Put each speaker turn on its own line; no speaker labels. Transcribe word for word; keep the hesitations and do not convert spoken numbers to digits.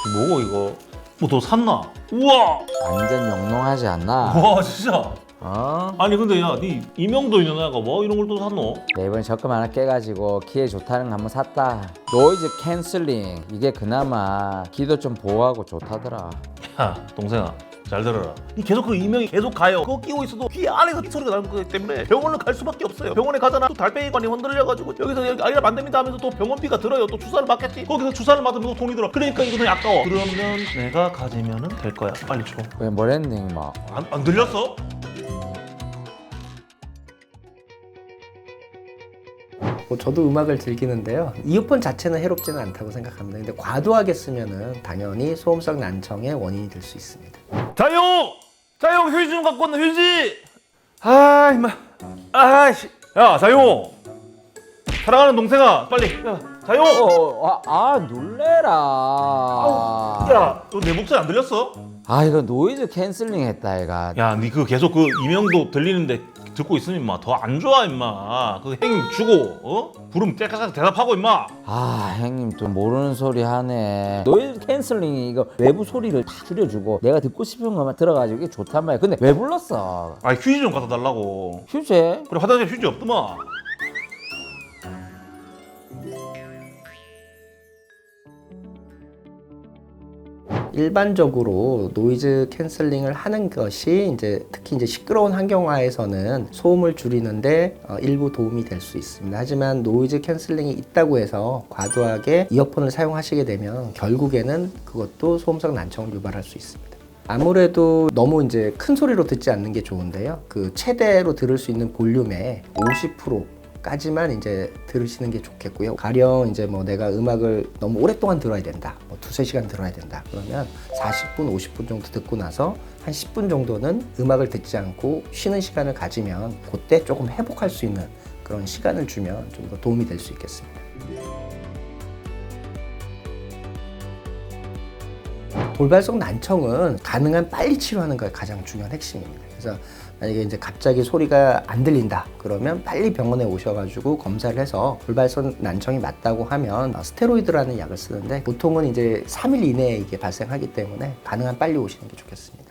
뭐고 이거? 뭐 더 샀나? 우와!
완전 영롱하지 않나?
와 진짜.
어?
아니 근데 야, 네 이명도 있는 애가 뭐 이런 걸 또 샀노?
내 이번에 적금 하나 깨가지고 기회 좋다는 거 한번 샀다. 노이즈 캔슬링 이게 그나마 귀도 좀 보호하고 좋다더라.
야 동생아 잘 들어라. 이 계속 그 이명이 계속 가요. 그거 끼고 있어도 귀 안에서 소리가 나는 거기 때문에 병원을 갈 수밖에 없어요. 병원에 가잖아. 또 달팽이관이 흔들려가지고 여기서 여기 아이를 안 됩니다 하면서 또 병원비가 들어요. 또 주사를 맞겠지. 거기서 주사를 맞으면 또 돈이 들어. 그러니까 이거는 아까워. 그러면 내가 가지면은 될 거야. 빨리 줘.
왜 뭐랬니 뭐?
안, 안 들렸어?
뭐 저도 음악을 즐기는데요. 이어폰 자체는 해롭지는 않다고 생각합니다. 근데 과도하게 쓰면은 당연히 소음성 난청의 원인이 될 수 있습니다.
자용! 자용 휴지 좀 갖고 왔나 휴지! 아 임마 아이씨 야 자용! 사랑하는 동생아 빨리 야 자용!
어, 아, 아 놀래라.
야 너 내 목소리 안 들렸어?
아 이거 노이즈 캔슬링 했다 얘가.
야 니 그 계속 그 이명도 들리는데 듣고 있으면 임마 더 안 좋아 임마. 그 행님 주고 어? 부르면 깨끗하게 대답하고 임마.
아 형님 또 모르는 소리 하네. 노이즈 캔슬링이 이거 외부 소리를 다 줄여주고 내가 듣고 싶은 것만 들어가지고 이게 좋단 말이야. 근데 왜 불렀어?
아 휴지 좀 갖다 달라고.
휴재?
그래 화장실 휴지 없더만.
일반적으로 노이즈 캔슬링을 하는 것이 이제 특히 이제 시끄러운 환경화에서는 소음을 줄이는데 어, 일부 도움이 될 수 있습니다. 하지만 노이즈 캔슬링이 있다고 해서 과도하게 이어폰을 사용하시게 되면 결국에는 그것도 소음성 난청을 유발할 수 있습니다. 아무래도 너무 이제 큰 소리로 듣지 않는 게 좋은데요. 그 최대로 들을 수 있는 볼륨의 오십 퍼센트 까지만 이제 들으시는 게 좋겠고요. 가령 이제 뭐 내가 음악을 너무 오랫동안 들어야 된다. 뭐 두세 시간 들어야 된다. 그러면 사십 분, 오십 분 정도 듣고 나서 한 십 분 정도는 음악을 듣지 않고 쉬는 시간을 가지면 그때 조금 회복할 수 있는 그런 시간을 주면 좀 더 도움이 될 수 있겠습니다. 돌발성 난청은 가능한 빨리 치료하는 게 가장 중요한 핵심입니다. 그래서 만약에 이제 갑자기 소리가 안 들린다 그러면 빨리 병원에 오셔가지고 검사를 해서 돌발성 난청이 맞다고 하면 스테로이드라는 약을 쓰는데 보통은 이제 삼 일 이내에 이게 발생하기 때문에 가능한 빨리 오시는 게 좋겠습니다.